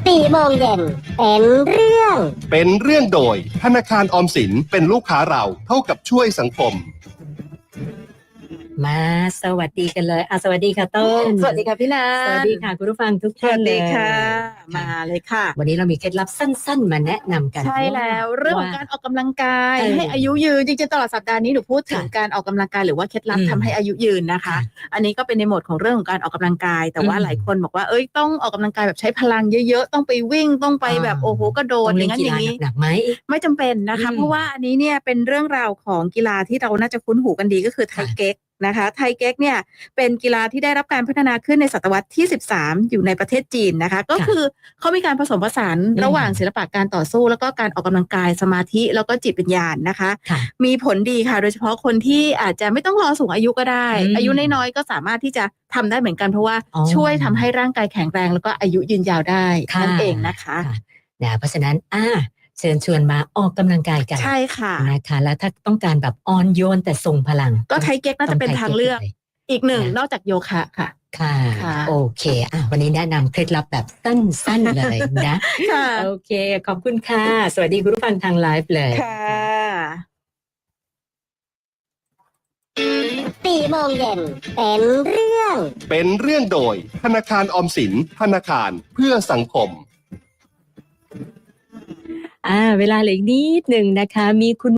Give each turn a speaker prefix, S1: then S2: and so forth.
S1: 4 โมงเย็น
S2: เป็นเรื่องโดยธนาคารออมสินเป็นลูกค้าเราเท่ากับช่วยสังคม
S3: มาสวัสดีกันเลยสวัสดีค่ะต้น
S4: สวัสดีค่ะพี่นา
S3: สวัสดีค่ะคุณผู้ฟังทุกท่านเลย
S4: ค่ะมาเลยค่ะ
S3: วันนี้เรามีเคล็ดลับสั้นๆมาแนะนำกัน
S4: ใช่แล้วเรื่องของการออกกำลังกายให้อายุยืนจริงๆตลอดสัปดาห์นี้หนูพูดถึงการออกกำลังกายหรือว่าเคล็ดลับทำให้อายุยืนนะคะอันนี้ก็เป็นในโหมดของเรื่องของการออกกำลังกายแต่ว่าหลายคนบอกว่าต้องออกกำลังกายแบบใช้พลังเยอะๆต้องไปวิ่งต้องไปแบบโอ้โหกระโดดอย่างนั้นอย่างนี้
S3: หนักไหม
S4: ไม่จำเป็นนะคะเพราะว่าอันนี้เนี่ยเป็นเรื่องราวของกีฬาที่เราน่าจะคุ้นหูกันดีก็คือไทเก๊กนะคะไทเก๊กเนี่ยเป็นกีฬาที่ได้รับการพัฒนาขึ้นในศตวรรษที่13อยู่ในประเทศจีนนะคะก็คือเขามีการผสมผสานระหว่างศิลปะการต่อสู้แล้วก็การออกกำลังกายสมาธิแล้วก็จิตวิญญาณนะคะมีผลดีค่ะโดยเฉพาะคนที่อาจจะไม่ต้องรอสูงอายุก็ได้อายุน้อยๆก็สามารถที่จะทำได้เหมือนกันเพราะว่าช่วยทำให้ร่างกายแข็งแรงแล้วก็อายุยืนยาวได้นั่นเองนะคะ
S3: เพราะฉะนั้นเชิญชวนมาออกกำลังกายกัน
S4: ใช่ค่ะ
S3: นะคะแล้วถ้าต้องการแบบอ่อนโยนแต่ทรงพลัง
S4: ก็ไทเก๊กน่าจะเป็นทางเลือกอีกหนึ่งนอกจากโยคะค่ะ
S3: ค่ะโอเควันนี้แนะนำเคล็ดลับแบบสั้นๆเลยนะโอเคขอบคุณค่ะสวัสดีคุณผู้ฟังทางไลฟ์เลย
S4: ค่ะ
S1: 4 โมงเย็น
S2: เป็นเรื่องโดยธนาคารออมสินธนาคารเพื่อสังคม
S3: เวลาเหลืออีกนิดหนึ่งนะคะมีคุณ